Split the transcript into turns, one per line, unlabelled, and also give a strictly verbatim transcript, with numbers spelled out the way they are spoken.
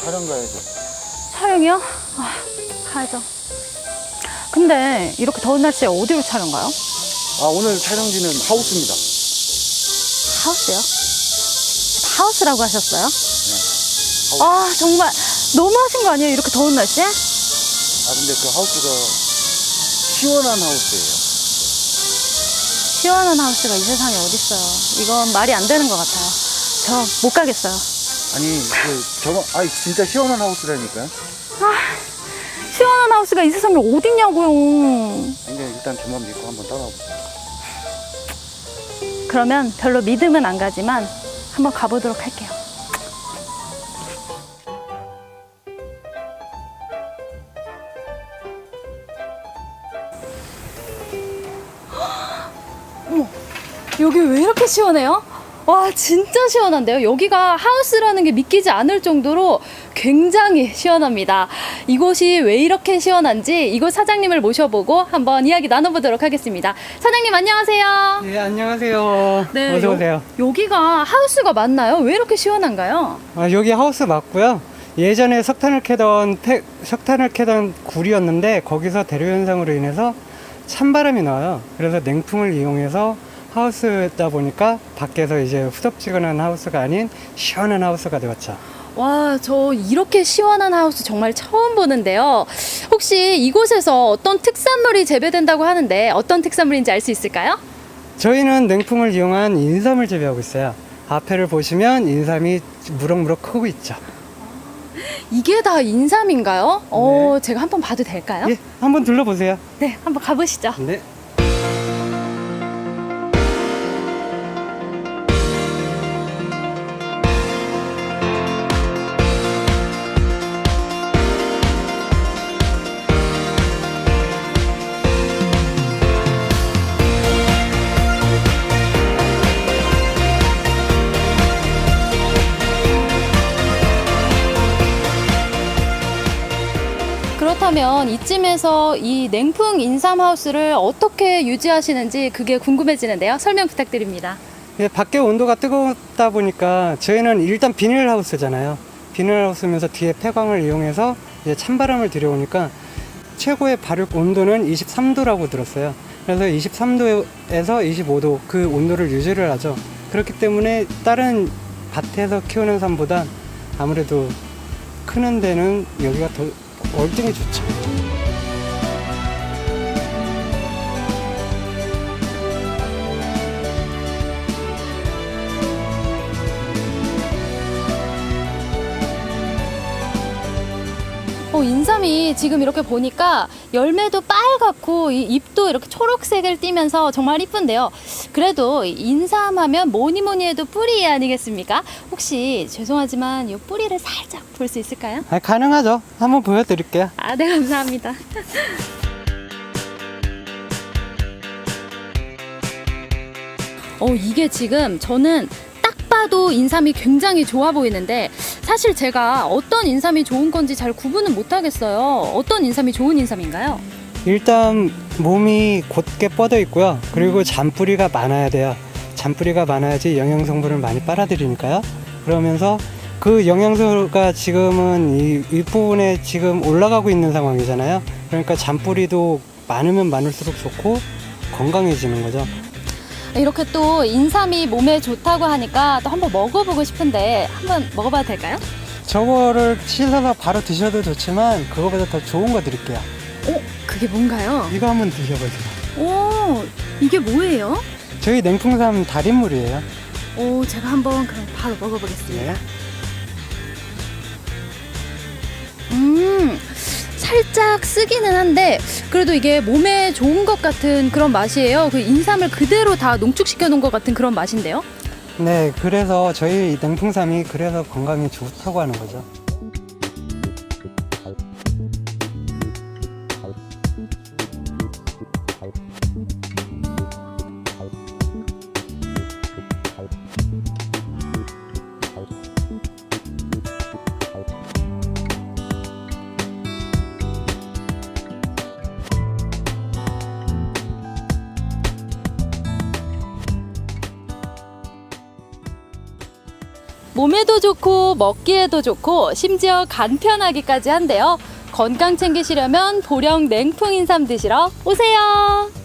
촬영 가야죠.
촬영이요? 아, 가야죠. 근데 이렇게 더운 날씨에 어디로 촬영 가요?
아, 오늘 촬영지는 하우스입니다.
하우스요? 하우스라고 하셨어요?
네. 하우스.
아, 정말 너무 하신 거 아니에요? 이렇게 더운 날씨에?
아, 근데 그 하우스가 시원한 하우스예요.
시원한 하우스가 이 세상에 어딨어요. 이건 말이 안 되는 것 같아요. 저 못 가겠어요.
아니, 그, 저거, 아, 진짜 시원한 하우스라니까요.
아, 시원한 하우스가 이 세상에 어딨냐고요.
근데 일단 저만 믿고 한번 따라와보세요.
그러면 별로 믿음은 안 가지만 한번 가보도록 할게요. 어머, 여기 왜 이렇게 시원해요? 와, 진짜 시원한데요? 여기가 하우스라는 게 믿기지 않을 정도로 굉장히 시원합니다. 이곳이 왜 이렇게 시원한지 이곳 사장님을 모셔보고 한번 이야기 나눠보도록 하겠습니다. 사장님 안녕하세요.
네, 안녕하세요.
네,
어서 오세요.
여, 여기가 하우스가 맞나요? 왜 이렇게 시원한가요?
아, 여기 하우스 맞고요. 예전에 석탄을 캐던 폐, 석탄을 캐던 굴이었는데 거기서 대류 현상으로 인해서 찬바람이 나와요. 그래서 냉풍을 이용해서 하우스다 보니까 밖에서 이제 후덥지근한 하우스가 아닌 시원한 하우스가 되었죠.
와, 저 이렇게 시원한 하우스 정말 처음 보는데요. 혹시 이곳에서 어떤 특산물이 재배된다고 하는데 어떤 특산물인지 알 수 있을까요?
저희는 냉풍을 이용한 인삼을 재배하고 있어요. 앞에를 보시면 인삼이 무럭무럭 크고 있죠.
이게 다 인삼인가요? 어, 제가 한번 봐도 될까요?
예, 한번 둘러보세요.
네, 한번 가보시죠.
네.
그렇다면 이쯤에서 이 냉풍 인삼 하우스를 어떻게 유지하시는지 그게 궁금해지는데요. 설명 부탁드립니다.
예, 밖에 온도가 뜨겁다 보니까 저희는 일단 비닐하우스잖아요. 비닐하우스면서 뒤에 폐광을 이용해서 이제 찬바람을 들여오니까 최고의 발육 온도는 이십삼 도라고 들었어요. 그래서 이십삼 도에서 이십오 도 그 온도를 유지를 하죠. 그렇기 때문에 다른 밭에서 키우는 삶보다 아무래도 크는 데는 여기가 더 월등히 좋죠.
어, 인삼이 지금 이렇게 보니까 열매도 빨갛고 이 잎도 이렇게 초록색을 띠면서 정말 이쁜데요. 그래도 인삼하면 뭐니 뭐니 해도 뿌리 아니겠습니까? 혹시 죄송하지만 이 뿌리를 살짝 볼 수 있을까요?
아, 가능하죠. 한번 보여드릴게요.
아, 네, 감사합니다. 어, 이게 지금 저는 딱 봐도 인삼이 굉장히 좋아 보이는데 사실 제가 어떤 인삼이 좋은 건지 잘 구분은 못 하겠어요. 어떤 인삼이 좋은 인삼인가요?
일단 몸이 곧게 뻗어 있고요. 그리고 잔뿌리가 많아야 돼요. 잔뿌리가 많아야지 영양 성분을 많이 빨아들이니까요. 그러면서 그 영양소가 지금은 이 윗부분에 지금 올라가고 있는 상황이잖아요. 그러니까 잔뿌리도 많으면 많을수록 좋고 건강해지는 거죠.
이렇게 또 인삼이 몸에 좋다고 하니까 또 한번 먹어보고 싶은데 한번 먹어봐도 될까요?
저거를 씻어서 바로 드셔도 좋지만 그거보다 더 좋은 거 드릴게요.
오, 그게 뭔가요?
이거 한번 드셔보세요.
오, 이게 뭐예요?
저희 냉풍삼 달인물이에요.
오, 제가 한번 그럼 바로 먹어보겠습니다.
네.
음, 살짝 쓰기는 한데 그래도 이게 몸에 좋은 것 같은 그런 맛이에요. 그 인삼을 그대로 다 농축시켜 놓은 것 같은 그런 맛인데요.
네, 그래서 저희 냉풍삼이 그래서 건강에 좋다고 하는 거죠.
몸에도 좋고 먹기에도 좋고 심지어 간편하기까지 한데요. 건강 챙기시려면 보령 냉풍 인삼 드시러 오세요.